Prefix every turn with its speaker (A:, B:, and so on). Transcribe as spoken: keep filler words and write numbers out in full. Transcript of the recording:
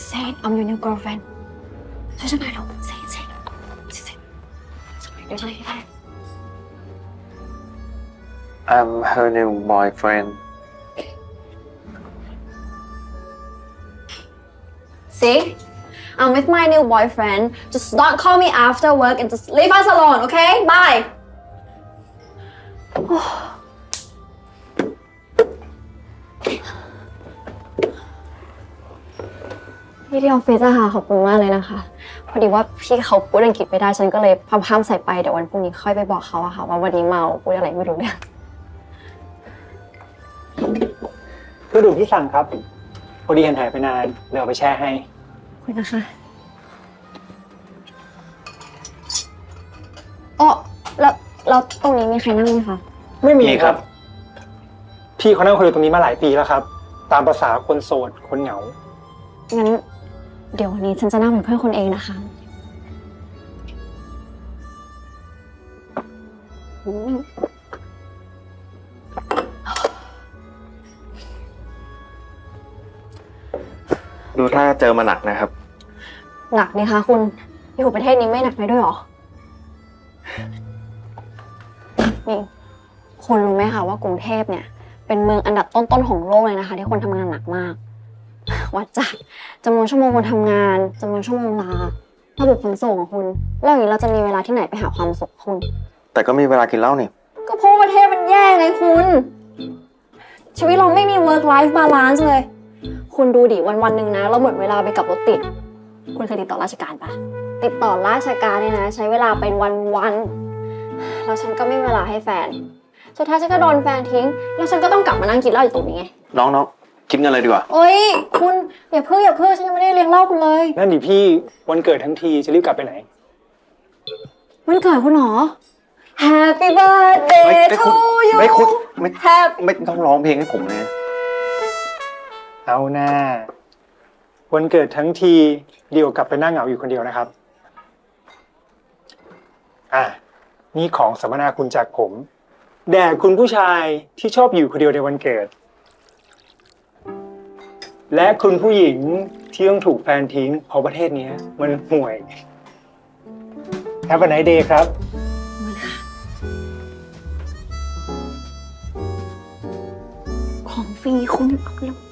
A: Say I'm your new girlfriend ช่วยฉันหน่อยเร็ว Say say say say เดี๋ยวฉันให้ได้
B: I'm her new boyfriend
A: See I'm with my new boyfriend just don't call me after work and just leave us alone okay bye พี่ที่ออฟฟิศอะค่ะขอบคุณมากเลยนะคะพอดีว่าพี่เขาพูดอังกฤษไม่ได้ฉันก็เลยพามพามใส่ไปเดี๋ยววันพรุ่งนี้ค่อยไปบอกเขาอะค่ะว่าวันนี้เมาพูดอะไรไม่รู้เรื่อง
C: เครื่องดื่มที่สั่งครับพอดีเห็นหายไปนานเลยเอาไปแช่ให้
A: ขอบคุณนะคะอ๋อแล้วแล้วตรงนี้มีใครนั่งไหมคะ
C: ไม่มีครับพี่เขานั่งคุยตรงนี้มาหลายปีแล้วครับตามภาษาคนโสดคนเหงา
A: งั้นเดี๋ยววันนี้ฉันจะนั่งเป็นเพื่อนคนเองนะคะ
B: ดูถ้าเจอมาหนักนะครับ
A: หนักนี่คะคุณอยู่ประเทศนี้ไม่หนักไปด้วยหรอนี่คุณรู้ไหมคะว่ากรุงเทพเนี่ยเป็นเมืองอันดับต้นๆของโลกเลยนะคะที่คนทำงานหนักมากวัดจากจำนวนชั่วโมงคนทำงานจำนวนชั่วโมงลาระบบขนส่งของคุณแล้วอย่างนี้เราจะมีเวลาที่ไหนไปหาความสุขคุณ
B: แต่ก็มีเวลากินเหล้านี่
A: ก็เพราะประเทศมันแย่ไงคุณชีวิตเราไม่มี work life balance เลยคุณดูดิวันวันหนึ่งนะเราหมดเวลาไปกับรถติดคุณเคยติดต่อราชการปะติดต่อราชการเนี่ยนะใช้เวลาเป็นวันวันแล้วฉันก็ไม่มีเวลาให้แฟนสุดท้ายฉันก็โดนแฟนทิ้งแล้วฉันก็ต้องกลับมานั่งกินเหล้าอยู่ตรงนี้ไง
B: น้องน้องคิดเงินเลยดีกว่า
A: โอ๊ยคุณอย่าเพิ่งอย่าเพิ่งฉันยังไม่ได้เลี้ยงเหล้าคุณเลย
C: นั่นดิพี่วันเกิดทั้งทีจะรีบกลับไปไหน
A: วันเกิดคุณหรอ Happy birthday to you
B: ไม่คุณไม่ไม่ต้องร้องเพลงให้ผมเลย
C: เอาหน้าวันเกิดทั้งทีเดี๋ยวกลับไปนั่งเหงาอยู่คนเดียวนะครับอ่ะนี่ของสัมมนาคุณจากผมแด่คุณผู้ชายที่ชอบอยู่คนเดียวในวันเกิดและคุณผู้หญิงที่ต้องถูกแฟนทิ้งเพราะประเทศนี้มันห่วย Have a nice day ครับ
A: ของฟรีคุณเอาเร็ว